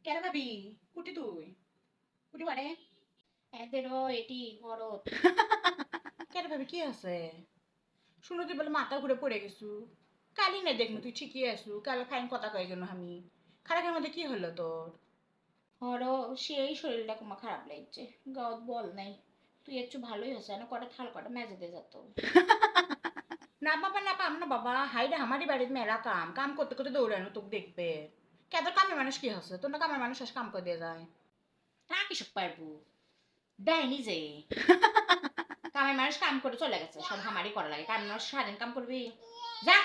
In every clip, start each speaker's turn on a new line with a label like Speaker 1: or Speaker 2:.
Speaker 1: কেন ভাবি? কুটি তুই কুটি মানে
Speaker 2: এদেরও এটি মরদ।
Speaker 1: কেন ভাবি কি আছে? শুনো তুই বলে মাথা ঘুরে পড়ে গেছু। কালি না দেখনু তুই ঠিকই আসু, কাল ফাইন কথা কয়ে গেল আমি। খারাপের মধ্যে কি হলো তোর?
Speaker 2: হরও সেই শরীরটা কুমা খারাপ লাগছে, গাওত বল নাই। তুই একটু ভালোই হচ্ছে না, কটা থাল কটা মেজে দিয়ে যেত।
Speaker 1: না বাবা না পাম না বাবা, হাইরে আমারই বাড়ির মেলা কাম কাম করতে করতে দৌড়ানো তোকে দেখবে। কেন কামের মানুষ কি হচ্ছে? তোর না কামের মানুষ আস কাম করে দিয়ে যায়।
Speaker 2: তা কিসব পারবো, দেয় নিজে। কামের মানুষ কাম করে চলে গেছে, সব হামারি করা লাগে। কামের মানুষ সারাদিন কাম করবি? যা।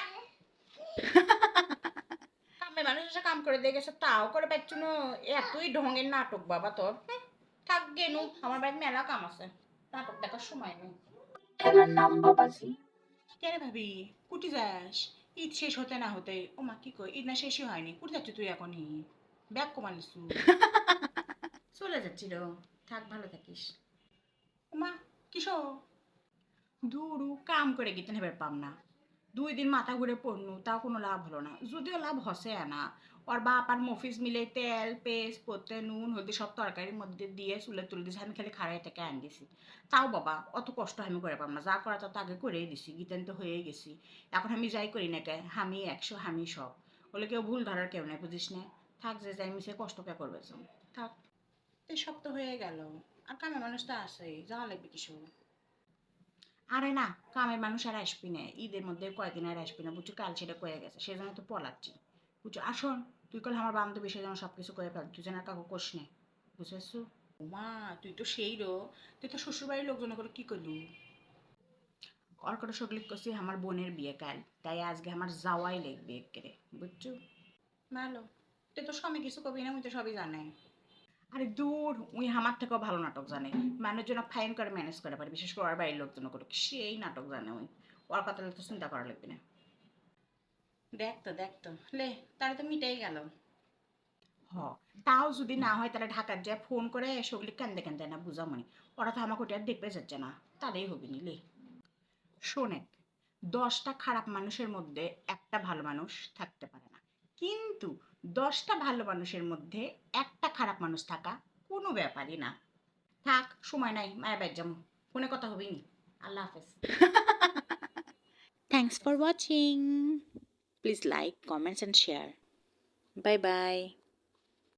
Speaker 1: কামের মানুষ এসে কাম করে দিয়ে গেছে তাও করে পাচ্ছ না। এতই ঢঙের নাটক বাবা তোর। থাক গেনু, আমার বাড়ির মেলা কাম আছে, নাটক দেখার সময় নেই।
Speaker 3: খেলার নাম বাবাজি।
Speaker 1: কেন ভাবি? কুটি যাস? ঈদ শেষ হতে না হতে, ও মা কি কই, ঈদ না শেষই হয়নি, কুটি যাচ্ছ তুই এখনই? ব্যাগ কমালিসু? চলে যাচ্ছিল। থাক ভালো থাকিস। ও মা কিসো? ধুরু কাম করে গিতে হেবার পাম না। 2 দিন মাথা ঘুরে পড়নু, তাও কোনো লাভ হলো না, যদিও লাভ হসে না। ওর বাপ আর মফিজ মিলে তেল পেস্ট পত্তে নুন হলদি সব তরকারির মধ্যে দিয়ে চুলে তুলে দিয়েছে, আমি খালি খাড়াই থেকে আন দিছি। তাও বাবা অত কষ্ট আমি করে পাম না, যা করা তা তো আগে করেই দিছি, গীতান তো হয়েই গেছি। এখন আমি যাই করি না কে, আমি 100 আমি সব। বলে কেউ ভুল ধরার কেউ নেই, বুঝিস না? থাক যে যাই মিশে কষ্ট কে করবে যাও। থাক, এই সব তো হয়ে গেল। আর কামে মানুষ তো আসেই, যাওয়া লাগবে কিছু। আরে না, কামের মানুষ আর আসবি না, ঈদের মধ্যে কয়েকদিন আর আসবি না বুঝছো, কাল সেটা কয়ে গেছে, সেজন্য তো পলাচ্ছি। বুঝছো আসুন, তুই কল আমার বান্ধবী সেজন্য সব কিছু করে ফেল, তুই যেন আর কাকু কোষ নে। বুঝেছো? মা তুই তো সেই রো, তুই তো শ্বশুরবাড়ির লোকজন করে কি করলু? ওর করে সগলিক করছি আমার বোনের বিয়ে কাল, তাই আজকে আমার যাওয়াই লাগবে একেরে, বুঝছো? ভালো, তুই তো স্বামী কিছু কবি না, উনি তো সবই জানে। আরে দূর, উই আমার থেকেও ভালো নাটক জানে। মানুষজন ফাইন করে ম্যানেজ করে পারে, বিশেষ করে ওর বাড়ির লোকজন করে সেই নাটক জানে উই। ওর কথা তো চিন্তা করা লাগবে না। দেখতো লে, তাহলে তো মিটাই গেল। হ, তাও যদি না হয় তাহলে ঢাকার যায় ফোন করে সগলি কান্দে কান্দে না বুঝামনি। ওরা তো আমাকে ওটা আর দেখতে যাচ্ছে না, তাহলেই হবি নি লে। শোনে, 10টা খারাপ মানুষের মধ্যে একটা ভালো মানুষ থাকতে পারে না, কিন্তু 10টা ভালো মানুষের মধ্যে একটা খারাপ মানুষ থাকা কোনো ব্যাপারই না। থাক, সময় নাই, মায়ের বাড়ি যাবো। ফোনে কথা হবেই নি। আল্লাহ হাফেজ।
Speaker 3: Thanks for watching. Please like, comments and share. Bye bye.